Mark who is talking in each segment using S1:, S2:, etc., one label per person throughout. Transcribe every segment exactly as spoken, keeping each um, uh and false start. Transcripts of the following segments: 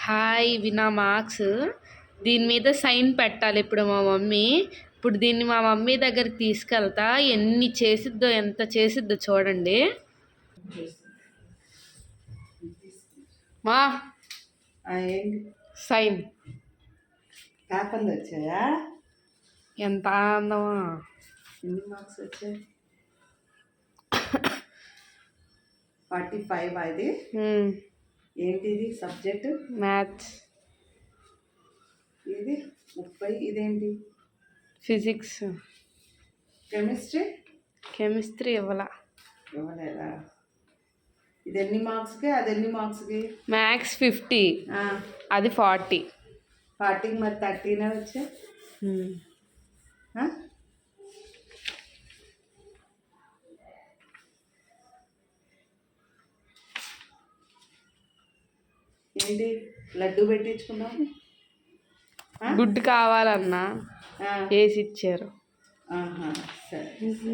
S1: Hi ఇవి నా marks. దీని మీద సైన్ పెట్టాలి ఇప్పుడు మా మమ్మీ. ఇప్పుడు దీన్ని మా మమ్మీ దగ్గరికి తీసుకెళ్తా. ఎన్ని చేసిద్దో ఎంత చేసిద్దో చూడండి. మా సైన్
S2: పేపర్లు వచ్చాయా?
S1: ఎంత ఆనందమా.
S2: ఎన్ని మార్క్స్ వచ్చాయి? Forty five. అది ఏంటిది సబ్జెక్ట్?
S1: మ్యాథ్స్.
S2: ఇది ముప్పై. ఇదేంటి?
S1: ఫిజిక్స్.
S2: కెమిస్ట్రీ?
S1: కెమిస్ట్రీ ఇవ్వాల.
S2: ఇవ్వలేదా? ఇది ఎన్ని మార్క్స్కి, అది ఎన్ని మార్క్స్కి?
S1: మ్యాథ్స్ ఫిఫ్టీ, అది ఫార్టీ.
S2: ఫార్టీకి మరి థర్టీనే వచ్చా. ఏంటి లడ్డు పెట్టించుకున్నావు?
S1: గుడ్డు కావాలన్నా వేసి ఇచ్చారు.
S2: సరే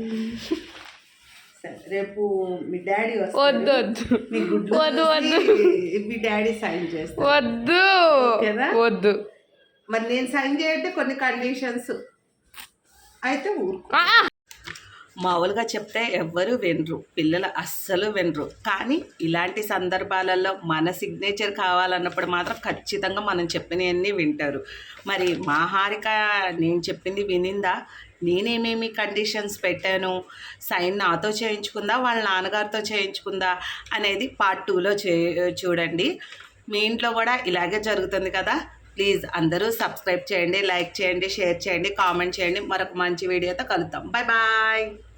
S2: సరే, రేపు మీ డాడీ
S1: వద్దు వద్దు
S2: మీ గుడ్డు
S1: వద్దు వద్దు
S2: మీ డాడీ సైన్ చేస్తా.
S1: వద్దు వద్దు.
S2: మరి నేను సైన్ చేయంటే కొన్ని కండిషన్స్ అయితే ఊరుకో. మామూలుగా చెప్తే ఎవ్వరు వినరు, పిల్లలు అస్సలు వినరు. కానీ ఇలాంటి సందర్భాలలో మన సిగ్నేచర్ కావాలన్నప్పుడు మాత్రం ఖచ్చితంగా మనం చెప్పినవన్నీ వింటారు. మరి మా హారిక నేను చెప్పింది వినిందా? నేనేమేమి కండిషన్స్ పెట్టాను, సైన్ నాతో చేయించుకుందా వాళ్ళ నాన్నగారితో చేయించుకుందా అనేది పార్ట్ టూలో చే చూడండి. మీ ఇంట్లో కూడా ఇలాగే జరుగుతుంది కదా. ప్లీజ్ అందరూ సబ్స్క్రైబ్ చేయండి, లైక్ చేయండి, షేర్ చేయండి, కామెంట్ చేయండి. మరొక మంచి వీడియోతో కలుద్దాం. Bye bye.